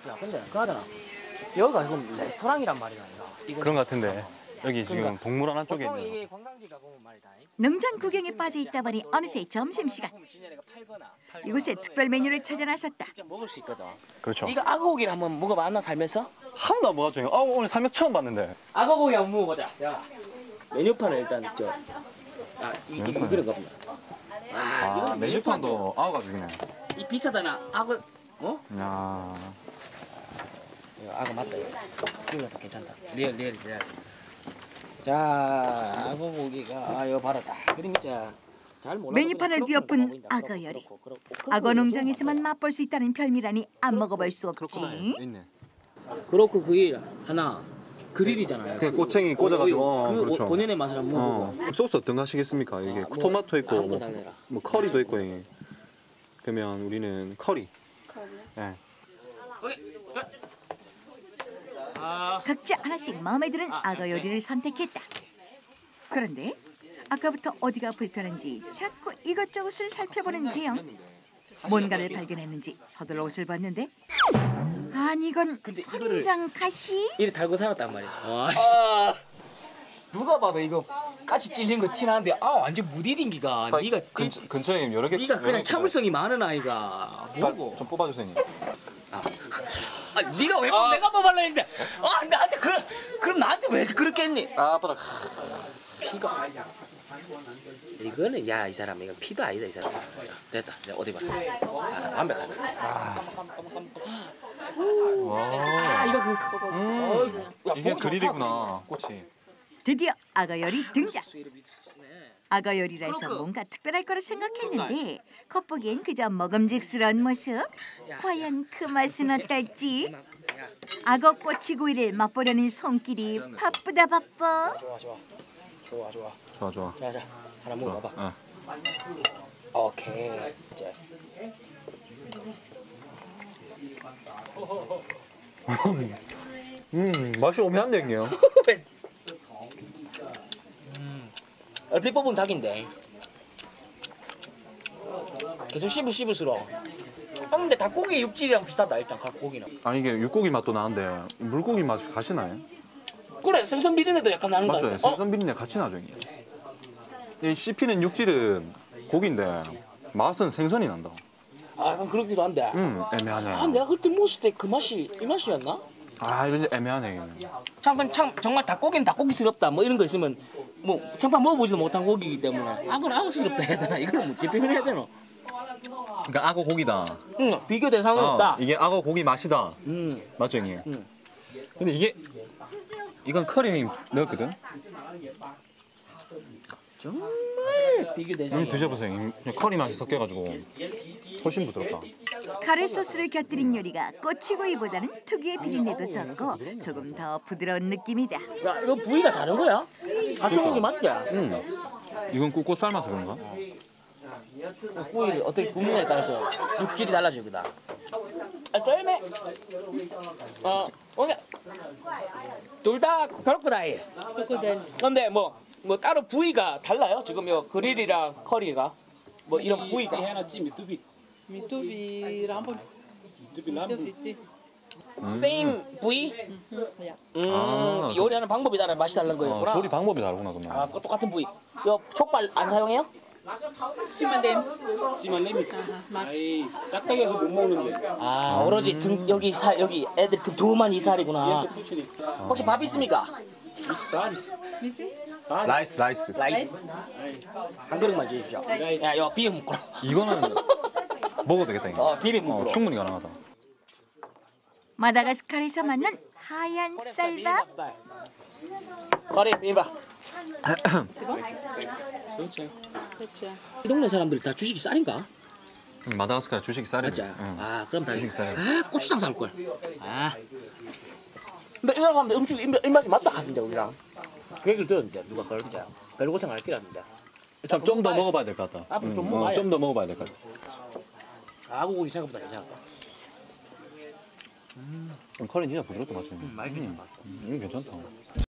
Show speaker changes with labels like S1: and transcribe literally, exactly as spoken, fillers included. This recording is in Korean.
S1: 야 근데 그나저나 여기가 지금 레스토랑이란 말이야.
S2: 그런 것 같은데 여기 지금
S1: 그러니까
S2: 동물 하나 쪽에
S1: 보통
S2: 있는
S1: 이게 관광지가 보면 말이다.
S3: 농장 구경에 빠져 있다 보니 어느새 점심시간. 이곳에 특별 메뉴를 찾아 나섰다.
S1: 직접 먹을 수 있거든.
S2: 그렇죠.
S1: 네가 악어고기를 한번 먹어봤나 살면서?
S2: 한 번도 안 먹었죠. 아 오늘 살면서 처음 봤는데.
S1: 악어고기 한번 먹어보자. 야 메뉴판을 일단 저 아, 이, 이, 이거 그런가 보다. 아,
S2: 아
S1: 이거는
S2: 메뉴판도 아우가 죽이네.
S1: 이 비싸다나 악어 어?
S2: 야.
S1: 이거 악어 맞다 이거. 이거 괜찮다. 리얼 리얼 리얼. 자 악어고기가 아 이거 봐라 딱 그림 있자. 잘 몰라.
S3: 메뉴판을 뒤엎은 악어 요리. 악어 농장에서만 맛볼 수 있다는 별미라니 안 먹어볼 수 없지.
S2: 있네.
S1: 그렇고 그게 하나 그릴이잖아요.
S2: 그냥 꼬챙이 꽂아가지고.
S1: 어, 그
S2: 그렇죠.
S1: 본연의 맛을 한번
S2: 어.
S1: 먹어보고.
S2: 소스 어떤 거 하시겠습니까? 이게
S1: 아, 뭐,
S2: 토마토 있고
S1: 한번
S2: 뭐,
S1: 달래라.
S2: 뭐 커리도 있고 이게. 그러면 우리는 커리. 커리. 네.
S1: 아,
S3: 각자 하나씩 마음에 드는 악어 요리를 선택했다. 그런데 아까부터 어디가 불편한지 자꾸 이것저것을 살펴보는 대영. 뭔가를 발견했는지 서둘러 옷을 봤는데 아니 이건 선인장 가시?
S1: 이래 달고 살았단 말이야. 와, 아, 누가 봐도 이거 까치 찔린 거 티나는데 아 완전 무디딩기가. 네가
S2: 근처, 근처에 여러 개.
S1: 네가
S2: 여러
S1: 그냥
S2: 개
S1: 참을성이 많은 아이가 뭐고?
S2: 좀 뽑아주세요.
S1: 아, 아 네가 왜 뽑? 내가 뽑아라 했는데 아 나한테 그 그럼 나한테 왜 그렇게 했니? 아 봐라 피가 이거는 야 이 사람 이거 피도 아니다 이 사람. 됐다 이제 어디 봐. 아, 완벽하네. 아, 아 이거 그
S2: 음,
S1: 야,
S2: 이게
S1: 보기
S2: 그릴이구나. 꽃이.
S3: 드디어 악어 요리 등장.
S1: 좋다.
S3: 악어 요리라 해서 뭔가 특별할 거라 생각했는데 겉보기엔 그저 먹음직스러운 모습. 과연 그 맛은 어떨지. 악어 꼬치구이를 맛보려는 손길이 바쁘다 바빠.
S1: 좋아 좋아 좋아 좋아.
S2: 좋아 좋아.
S1: 자자 하나 먹어봐봐.
S2: 어.
S1: 오케이 이제.
S2: 음 맛이 오묘한데 형님.
S1: 음, 얼핏 뽑은 닭인데 계속 씹을 씹을수록 아 근데 닭고기 육질이랑 비슷하다 일단 닭고기는.
S2: 아니 이게 육고기 맛도 나는데 물고기 맛이 같이 나요?
S1: 그래 생선 비린내도 약간 나는 거
S2: 맞죠?
S1: 같아.
S2: 생선 비린내 같이 나죠 형님. 이 씹히는 육질은 고기인데 맛은 생선이 난다.
S1: 아 약간 그렇기도 한데.
S2: 음 애매하네.
S1: 아 내가 그때 먹었을 때 그 맛이 이 맛이었나?
S2: 아 이거 진짜 애매하네. 형님.
S1: 참, 참 정말 닭고기는 닭고기스럽다 뭐 이런 거 있으면 뭐 평판 먹어보지도 못한 고기이기 때문에 악어는 악어스럽다 해야 되나 이걸 뭐 재평을 해야 되나?
S2: 그러니까 악어 고기다.
S1: 응 비교 대상은
S2: 어,
S1: 없다.
S2: 이게 악어 고기 맛이다.
S1: 음.
S2: 맞죠 형님?
S1: 음.
S2: 근데 이게 이건 커리 넣었거든.
S1: 정말 비교 대상이.
S2: 음, 드셔보세요. 형님. 그냥 커리 맛이 섞여가지고 훨씬 부드럽다.
S3: 카레 소스를 곁들인 요리가 꼬치구이보다는 특유의 비린내도 적고 조금 더 부드러운 느낌이다.
S1: 야 이거 부위가 다른 거야? 같은 고기 맞지?
S2: 음. 이건 굽고 삶아서 그런가?
S1: 고기 어떻게 굽느냐에 따라서 육질이 달라지거든. 아 쫄매. 어 오케이. 둘다 크로코다일.
S4: 크로코다일.
S1: 근데 뭐 뭐 따로 부위가 달라요? 지금 요 그릴이랑 커리가 뭐 이런 부위가.
S4: 미투비랑 한번 미투비 있지.
S1: same 부위?
S4: 야.
S1: 음
S2: 아,
S1: 요리하는 방법이 다른 맛이 다른 거였구나.
S2: 어, 조리 방법이 다르구나 그러면.
S1: 아 그거 똑같은 부위. 요 촉발 안 사용해요?
S4: 스치만댐.
S5: 찌만렘이 아이 딱딱해서 못 먹는데
S1: 아 오로지 등 여기 살 여기 애들 등 두만 이 살이구나. 혹시 밥 있습니까?
S4: 미시?
S2: 라이스 라이스.
S1: 라이스 한 그릇만 주십시오. 야 이거 비빔 먹고.
S2: 이거는 먹어도 되겠다 이거.
S1: 어 비빔
S2: 어,
S1: 먹고.
S2: 충분히 가능하다.
S3: 마다가스카르에서 만난 하얀 쌀밥.
S1: 커리 비빔밥.
S4: 세차.
S1: 이 동네 사람들 다 주식이 쌀인가?
S2: 음, 마다가스카르 주식이 쌀이네.
S1: 맞지?
S2: 응.
S1: 아 그럼 다
S2: 주식 쌀이야.
S1: 아 고추장 살 걸. 아. 근데 이런 사람들 음식 입- 입맛이 맞다 하던데 우리랑. 그 얘기를 들었는데 누가 그러는지 별 고생 안 했기라는데.
S2: 좀 더 먹어봐야 될 것 같다.
S1: 앞으로 좀 먹어봐야
S2: 좀 더 먹어봐야 될 것 같다.
S1: 아고기 생각보다 괜찮았다.
S2: 음, 커리 진짜 부드럽다 맞죠?
S1: 음, 많이 괜찮다.
S2: 음, 이거 괜찮다.